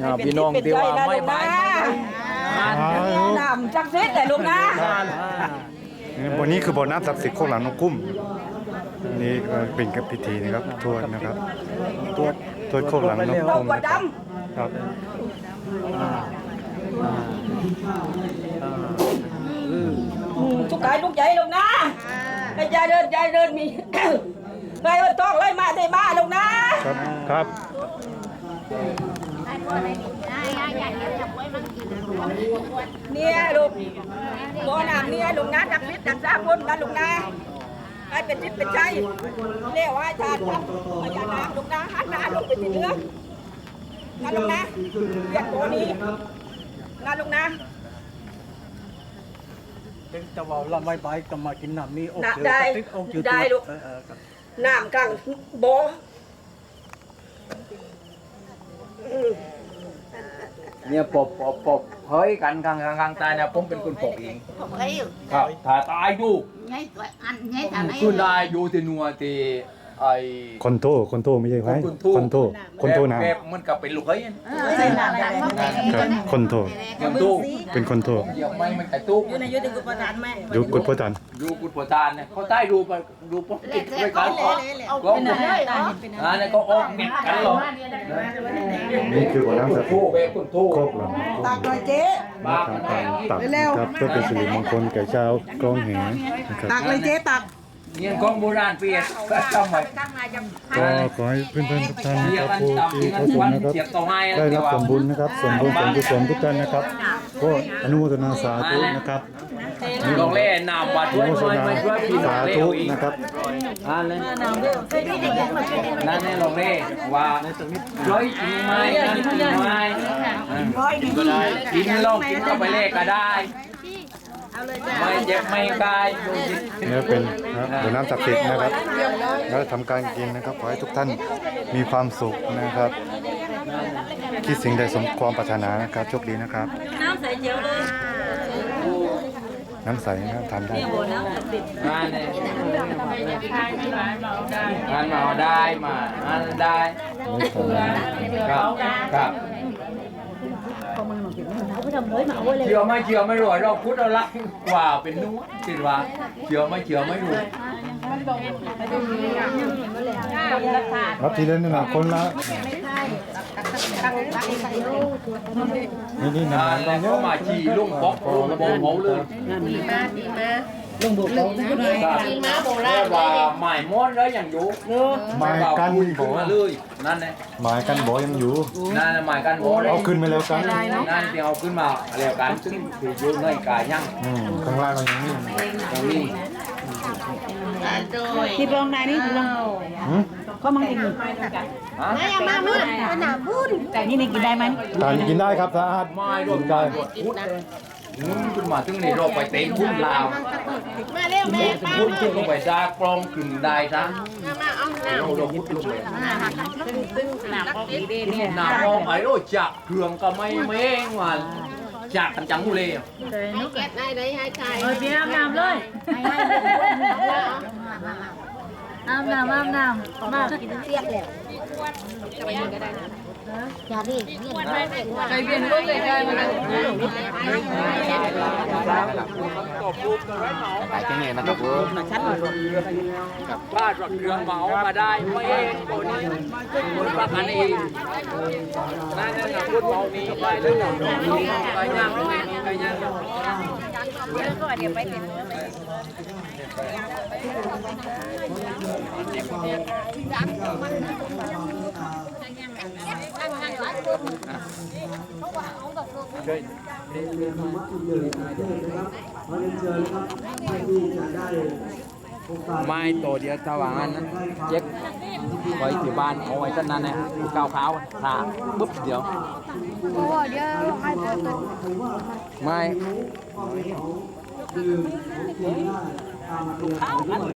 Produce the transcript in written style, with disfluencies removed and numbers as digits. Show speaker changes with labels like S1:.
S1: พี่น้องที่ว่าไม่ไป
S2: น้ำจักซิดแต่ลูกนะ
S3: วันนี้คือบ่อน้ำศักดิ์สิทธิ์โคกหลังนกกุ้มนี่เป็นกับพิธีนะครับทวดนะครับทวดโคกหลังนกกุ้มครับ
S2: ทุกกายทุกใจลูกนะให้ใจเดินมีไงว่าต้องไล่มาได้มาลูกนะครับ
S3: ครับ
S2: เนี่ยลูกบ่อน้ำเนี่ยลูกนะดักพิษดักซาคนนะลูกนะให้เป็นทิศเป็นใจเรียกว่าทานครับพญานาคลูกนะหันหน้าลูกไปที่เนื้อนะลูกนะเรียกตัวนี้นะลูกนะ
S4: จะว่าเราไม่ไปก็มากินน้ำนี่อกเจืออกเจือ
S2: ได้ลูกน้ำกลางบ่อ
S1: เนี่ยปบเฮ้ยกันกลางตายนะผมเป็นคนปกเองครับถ้าตายดูคุณได้อยู่ที่นัวที่ไอ้
S3: คนโตไม่ใช่ไหมคนโตน้ำ
S1: แบบมันกับเป็นลูกเฮ้ย
S3: คนโตเป็นคนโต
S1: อย่าไม่มันแต่ตู้
S2: อยู่ในยุทธกุปทานแม่
S3: ดูกุดพ่อจัน
S1: ดูกุดโปรตานเนี่ยเขาใต้ดูปุ๊บติดด้วยกันก็เนี่ยก็ออกเก็บกันหรอ
S3: นี่คือบ่อน้ำศักดิ์สิทธิ์โคกหลัง
S2: ตักหน่อยเจ๊
S3: ตักครับเพื่อเป็นสิริมงคลแก่ชาวกองแหนะครับ
S2: ตักเลยเจ๊ตัก
S1: เนี่ยกองโบราณเปียกก็ทำไว้
S3: ก็ขอให้เพื่อนๆทุกท่านนะครับผู้ที่เข้าชมนะครับได้รับผลบุญนะครับส่วนบุญส่วนกุศลทุกท่านนะครับก็อนุโมทนาสาธุนะครับ
S1: ลองเล่นน้ำวัดด้วย
S3: สาธุนะครับ
S1: นั่นนี่ลองเล่ว่าร้อยกินไม้นั่นกินไม้กินลองกินเข้าไปเล่ก็ได้ไม่เจ็บไม่กาย
S3: นี่เป็นบ่อน้ำศักดิ์สิทธิ์นะครับแล้วทำการกินนะครับขอให้ทุกท่านมีความสุขนะครับคิดสิ่งใดสมความปรารถนานะครับโชคดีนะครับ
S2: น้ำใสเจียวเลย
S3: น้ำใสนะครับทานได้
S1: งานเนี่ยงานมาได้มาได้ครับเชื่อไม่รู้เราพูดอะไรกว่าเป็นนู้จิตว่าเชื่อไม่รู้
S3: รับทีเล่นนี่นะคนละนี่นะ
S1: แล้วก็มาขี่ลุงป๊อกลุงโบงเขาเลย
S2: ลุงบุกลุงมาโบราณ
S1: ว่าหมายม้อนแล้วอย่างอยู่
S3: หมายกัน
S1: บ่เลยนั่นแหละ
S3: หมายกันบ่ยังอยู่
S1: นั่นหมายกันบ่
S3: เอาขึ้นไปแล้วกัน
S1: นั่นที่เอาขึ้นมาแล้วกันซึ่งถืออยู่ในกายยัง
S3: ข้างล่างอย่างนี้
S1: ตรงนี้
S2: ที่ลองนายนี่ลองก็มังกินไม่ยามามืดเป็นหนาพูดแต่นี่กินได้ไหม
S3: กินได้ครับสะอาด
S1: ไม่รวมได้ขึ้นมาถึงในโลกไปเต็มพุ่นลาว
S2: มาเร็วแม่
S1: พุ่นขึ้นลงไปซากลองขึ้นได้ซะมาเอาหน้าเราพุ่นลงไปหน้าออกไอ้โรจักเครื่องก็ไม่เองว่าจากกันจังหูเลย
S2: นุ๊กแกะได้ได้ให้ใครพี่น้ำเลยน้ำมากินเสียกแล้วจะไปยิงก็ได้นะอย่าดิใจเย็นก็เลยได้มา
S1: ไปที่นี่นะครับชัดกับบ้านรถเรือเหมามาได้ไม่เองตัวนี้ประกันเองนั่นนะพูดเมานี้ไปเรื่องไปย่างไปย่าง
S2: ก็เดี๋ยวไปติด
S1: ไม่ตัวเดียวสว่างนั้นเจ็บไว้ที่บ้านเอาไว้ท่านนั้นเนี่ยก้าวขาวขาปุ๊บเดี๋ยวไม่